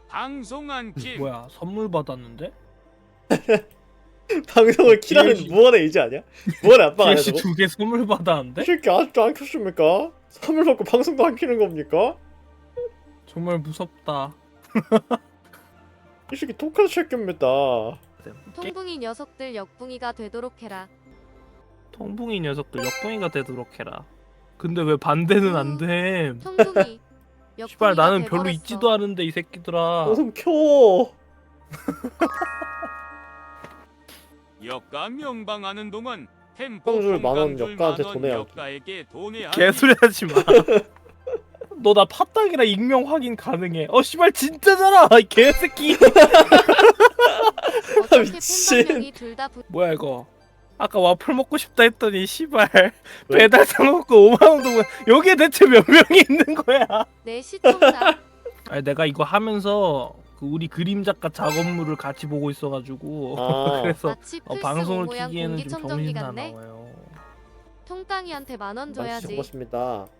방송한 킴. 뭐야 선물 받았는데? 방송을 키라는 DLC. 무언의 의지 아니야? 무언의 압박 아니야 DLC 저거? 2개 선물 이 받았는데? 새끼 아직도 안 켰습니까? 선물 받고 방송도 안 키는 겁니까? 정말 무섭다. 이 새끼 독한 새끼입니다. 통붕이 녀석들 역붕이가 되도록 해라. 통붕이 녀석들 역붕이가 되도록 해라. 근데 왜 반대는 안 돼? 통붕이 씨발 역붕이가 나는 별로 돼버렸어. 있지도 않은데 이 새끼들아. 방송 켜. 역가 명방하는 동안 깡줄 만 원, 깡줄 역가한테 만 원, 돈해야지. 역가에게 돈해야 개소리 하지 마. 너 나 팟당이라 익명 확인 가능해. 씨발 진짜잖아. 이 개새끼. 어떻게 미친. 팬방명이 둘다 뭐야 이거. 아까 와플 먹고 싶다 했더니 씨발 왜? 배달 사먹고 5만 원 동안 여기에 대체 몇 명이 있는 거야? 내 시청자. 아니 내가 이거 하면서 그 우리 그림 작가 작업물을 같이 보고 있어가지고 아. 그래서 마치 플스 방송을 모양 키기에는 좀 공기청정기 정신이 안 같네. 나와요. 통깡이한테 10,000원 많이 줘야지. 적었습니다.